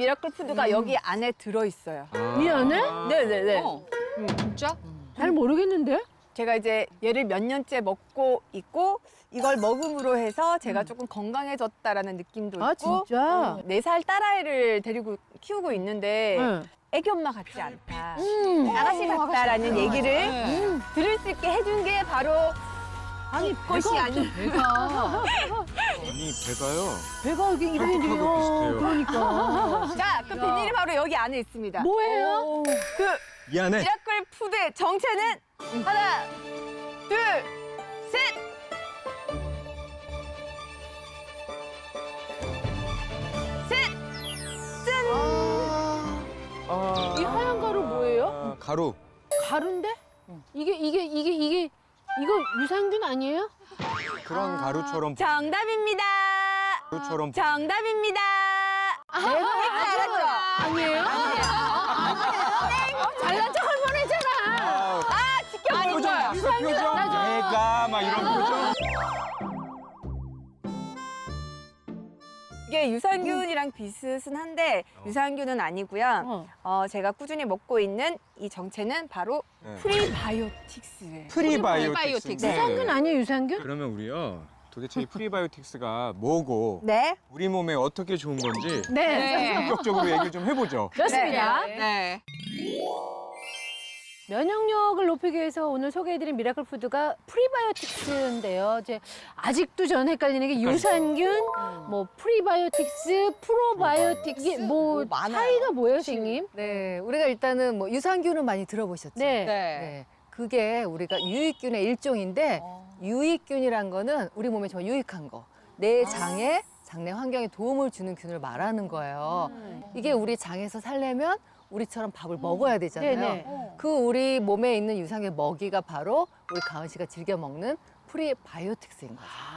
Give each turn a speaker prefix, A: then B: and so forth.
A: 미라클 푸드가 여기 안에 들어있어요.
B: 이 안에?
A: 네네네.
C: 진짜?
B: 잘 모르겠는데?
A: 제가 이제 얘를 몇 년째 먹고 있고 이걸 먹음으로 해서 제가 조금 건강해졌다라는 느낌도
B: 아,
A: 있고
B: 진짜?
A: 4살 딸아이를 데리고 키우고 있는데
B: 응.
A: 애기 엄마 같지 않다. 아가씨 같다라는 얘기를 들을 수 있게 해준 게 바로
B: 아니,
A: 것이 아니
C: 배가.
D: 아니 배가요.
B: 배가 이게 이런
D: 팔뚝하고
B: 일이에요.
D: 비슷해요.
B: 그러니까.
A: 자, 그 비닐이 바로 여기 안에 있습니다.
B: 뭐예요?
A: 그
D: 이 안에
A: 미라클 푸드의 정체는 하나, 둘, 셋.
B: 이 하얀 가루 뭐예요?
D: 가루.
B: 가루인데? 이거 유산균 아니에요?
D: 그런 가루처럼
A: 정답입니다.
D: 가루처럼
A: 정답입니다. 알았죠?
B: 아니에요? 잘난 척할 뻔했잖아.
D: 표정 봤어 표정. 배가 막 이런 표정.
A: 이게 유산균이랑 비슷은 한데 유산균은 아니고요. 제가 꾸준히 먹고 있는 이 정체는 바로
D: 네.
A: 프리바이오틱스예요.
D: 프리바이오틱스.
B: 유산균 아니에요, 유산균?
D: 그러면 우리요. 도대체 이 프리바이오틱스가 뭐고
A: 네.
D: 우리 몸에 어떻게 좋은 건지
B: 네.
D: 본격적으로 얘기를 좀 해보죠.
B: 그렇습니다.
C: 네.
B: 면역력을 높이기 위해서 오늘 소개해드린 미라클 푸드가 프리바이오틱스인데요. 이제 아직도 전 헷갈리는 게 유산균, 뭐 프리바이오틱스, 프로바이오틱스 이게 뭐
C: 많아요.
B: 차이가 뭐예요, 선생님?
E: 네, 우리가 일단은 뭐 유산균은 많이 들어보셨죠?
B: 네.
E: 네. 그게 우리가 유익균의 일종인데 유익균이란 거는 우리 몸에 정말 유익한 거. 내 장에 장내 환경에 도움을 주는 균을 말하는 거예요. 이게 우리 장에서 살려면 우리처럼 밥을 먹어야 되잖아요.
B: 네네.
E: 그 우리 몸에 있는 유산균 먹이가 바로 우리 가은 씨가 즐겨 먹는 프리바이오틱스인 거죠.